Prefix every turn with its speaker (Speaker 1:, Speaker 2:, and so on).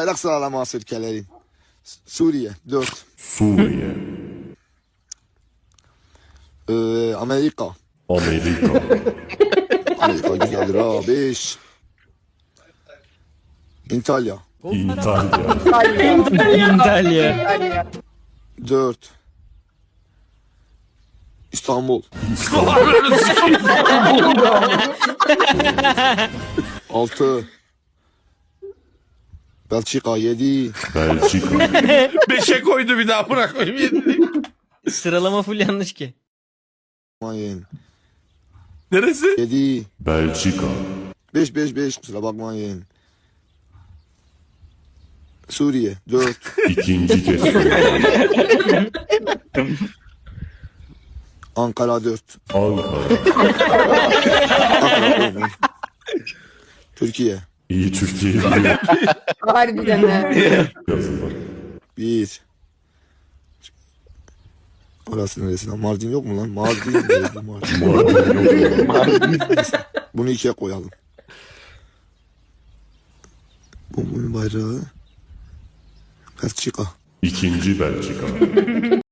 Speaker 1: Bayrak sıralaması ülkelerin. Suriye 4.
Speaker 2: Suriye,
Speaker 1: Amerika.
Speaker 2: Amerika,
Speaker 1: Amerika güzeldir ha 5. İtalya
Speaker 2: İtalya,
Speaker 3: İtalya.
Speaker 1: 4. İstanbul 6. Belçika 7.
Speaker 2: Belçika,
Speaker 4: 5'e koydu bir daha bırakmayayım.
Speaker 3: Sıralama full yanlış ki.
Speaker 1: Bakmayın.
Speaker 4: Neresi?
Speaker 1: 7.
Speaker 2: Belçika,
Speaker 1: 5 kusura bakmayın. Suriye 4.
Speaker 2: ikinci kez
Speaker 1: Ankara 4.
Speaker 2: Ankara,
Speaker 1: Ankara 10. Türkiye
Speaker 2: iyi Türkiye diye
Speaker 5: Harbiden ha.
Speaker 2: yazılar.
Speaker 1: 1. Orası neresi lan? Mardin yok mu lan? Mardin. Neresi Mardin? Bunu 2'ye koyalım. Bunun bayrağı Belçika.
Speaker 2: İkinci Belçika,